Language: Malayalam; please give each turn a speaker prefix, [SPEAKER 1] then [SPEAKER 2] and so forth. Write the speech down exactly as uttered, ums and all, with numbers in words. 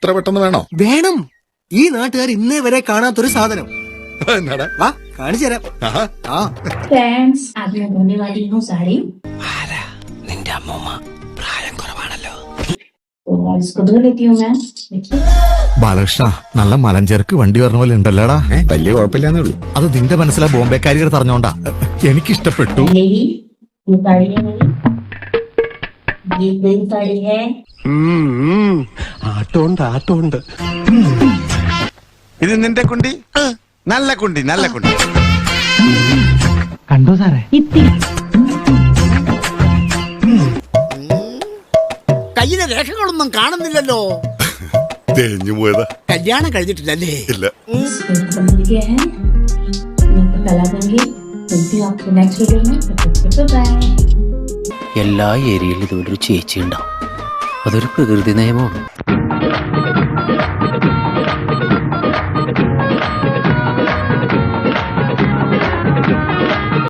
[SPEAKER 1] ഇത്ര പെട്ടെന്ന് വേണോ?
[SPEAKER 2] വേണം. ഈ നാട്ടുകാർ ഇന്നേ വരെ കാണാത്തൊരു സാധനം. വാ കാണിച്ചു തരാം.
[SPEAKER 3] നിന്റെ അമ്മൂമ്മ പ്രായം കുറവാണല്ലോ.
[SPEAKER 4] ബാലകൃഷ്ണ, നല്ല മലഞ്ചേർക്ക് വണ്ടി പറഞ്ഞ പോലെ ഉണ്ടല്ലോടാ.
[SPEAKER 1] വലിയ കുഴപ്പമില്ലാന്നേ ഉള്ളൂ.
[SPEAKER 4] അത് നിന്റെ മനസ്സിലാ ബോംബെക്കാരികൾ പറഞ്ഞോണ്ടാ. എനിക്കിഷ്ടപ്പെട്ടു.
[SPEAKER 5] ആട്ടോണ്ട് ആട്ടോണ്ട്.
[SPEAKER 6] ഇത് നിന്റെ കുണ്ടി? നല്ല കുണ്ടി, നല്ല കുണ്ടി.
[SPEAKER 5] കണ്ടോ സാറേ?
[SPEAKER 3] കയ്യിലെ രേഖകളൊന്നും കാണുന്നില്ലല്ലോ.
[SPEAKER 1] തേഞ്ഞു പോയതാ.
[SPEAKER 3] കല്യാണം കഴിഞ്ഞിട്ടില്ലല്ലേ?
[SPEAKER 1] ഇല്ല.
[SPEAKER 7] എല്ലാ ഏരിയയിലും ഇതുപോലൊരു ചേച്ചി ഉണ്ടാവും. അതൊരു പ്രകൃതി നിയമമാണ്.